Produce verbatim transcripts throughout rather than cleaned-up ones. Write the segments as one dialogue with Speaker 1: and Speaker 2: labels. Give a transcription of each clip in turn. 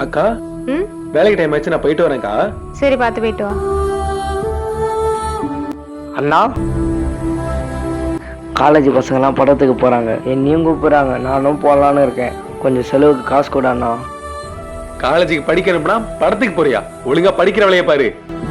Speaker 1: அக்கா
Speaker 2: ம்
Speaker 1: வேலைக்கு டைம் ஆச்சு, நான் போயிட்டு வரேன்க்கா.
Speaker 2: சரி, பார்த்து போயிட்டு வா.
Speaker 3: அண்ணா, காலேஜ் பசங்கெல்லாம் படத்துக்கு போகிறாங்க, என்னையும் கூப்பிட்றாங்க, நானும் போகலான்னு இருக்கேன். கொஞ்சம் செலவுக்கு காசு கூட அண்ணா.
Speaker 1: காலேஜுக்கு படிக்கணும்னா படத்துக்கு போறியா? ஒழுங்கா படிக்கிற வேலையை பாரு.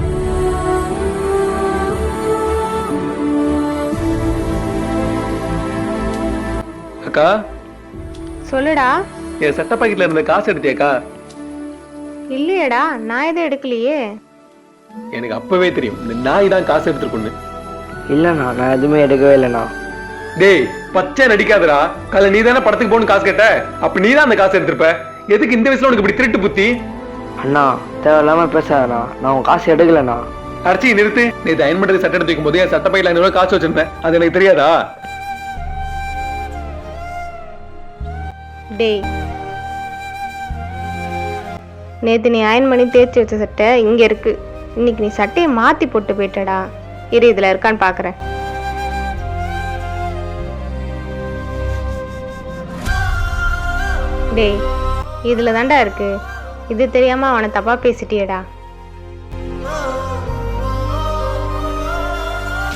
Speaker 1: அக்கா,
Speaker 2: சொல்லுடா.
Speaker 1: என் சட்ட பாக்கெட்ல இருந்த காசு எடுத்தியாக்கா?
Speaker 2: இல்லையேடா, நான் எதுவும் எடுக்கலையே.
Speaker 1: எனக்கு அப்பவே தெரியும் இந்த நாய் தான் காசு எடுத்துருக்குன்னு.
Speaker 3: இல்லைண்ணா, நான் எதுவுமே எடுக்கவே இல்லைண்ணா.
Speaker 1: டேய், பச்சை நடிக்காதடா. காலைல நீ தானே படத்துக்கு போகணும் காசு கேட்ட, அப்ப நீ தான் அந்த காசு எடுத்திருப்ப. எதுக்கு இந்த வயசுல உனக்கு இப்படி திருட்டு புத்தி?
Speaker 3: அண்ணா, தேவையில்லாம பேசாதண்ணா, நான் உன் காசு எடுக்கலண்ணா.
Speaker 1: அரைச்சி நிறுத்து. நேற்று அயன் பண்றது சட்டை எடுத்து வைக்கும் போது என் சட்ட பையில ஐநூறு ரூபாய் காசு வச்சிருந்தேன், அது எனக்கு தெரியாதா?
Speaker 2: டேய், நேத்து நீ அயன் பண்ணி தேய்ச்சி வச்ச சட்டை இங்க இருக்கு. இன்னைக்கு நீ சட்டையை மாத்தி போட்டு போயிட்டடா. இரு, இதுல இருக்கான்னு பாக்குறேன். டேய், இதுல தாண்டா இருக்கு. இது தெரியாம அவனை தப்பா பேசிட்டியடா.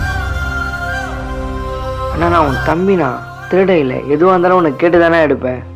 Speaker 3: அண்ணா, நான் உன் தம்பிண்ணா, திருட இல்லை. எதுவாக இருந்தாலும் உனக்கு கேட்டு தானே எடுப்பேன்.